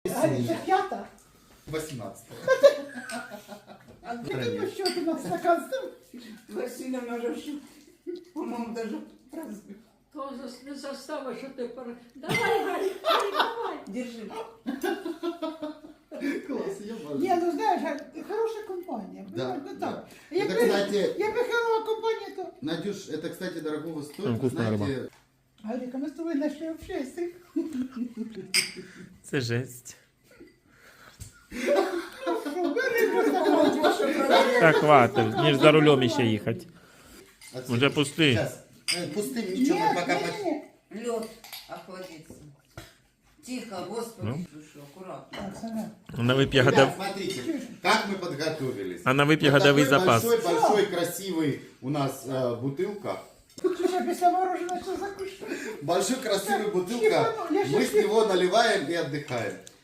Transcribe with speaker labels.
Speaker 1: Це п'ята?
Speaker 2: 18.
Speaker 1: А ти що ти на стакан став?
Speaker 3: Василий уже, по-моему, даже праздник.
Speaker 4: Тоже не застава, що ти пора. Давай, Гарик, давай.
Speaker 3: Держи.
Speaker 2: Класс, я бачу.
Speaker 1: Ні, ну знаєш, хороша компанія.
Speaker 2: Да,
Speaker 1: Ну,
Speaker 2: да.
Speaker 1: так.
Speaker 2: Это, кстати,
Speaker 1: Якби хороша компанія, то...
Speaker 2: Надюш, это, кстати, дорогого стоит.
Speaker 5: Там вкусная
Speaker 2: Знаете,
Speaker 1: Гаріка, ми з тобою знайшли общестя.
Speaker 5: Це жесть. Так, хватит. Ніж за рулем ще їхати.
Speaker 2: отсюда.
Speaker 5: Уже пустый.
Speaker 2: Сейчас. Пустым ничего, мы пока...
Speaker 3: Лед охладится. Тихо, Господи,
Speaker 5: Ну.
Speaker 3: слушай, аккуратно.
Speaker 1: Так, саме.
Speaker 5: Вона вип'є
Speaker 2: Ребят,
Speaker 5: годов...
Speaker 2: смотрите, как мы подготовились.
Speaker 5: Вона вип'є
Speaker 2: Вот
Speaker 5: годовий
Speaker 2: такой
Speaker 5: запас.
Speaker 2: большой, красивый у нас бутылка.
Speaker 1: Чужа після мороженого що закушати?
Speaker 2: Большой, красивый бутылка. Мы с него наливаем и отдыхаем.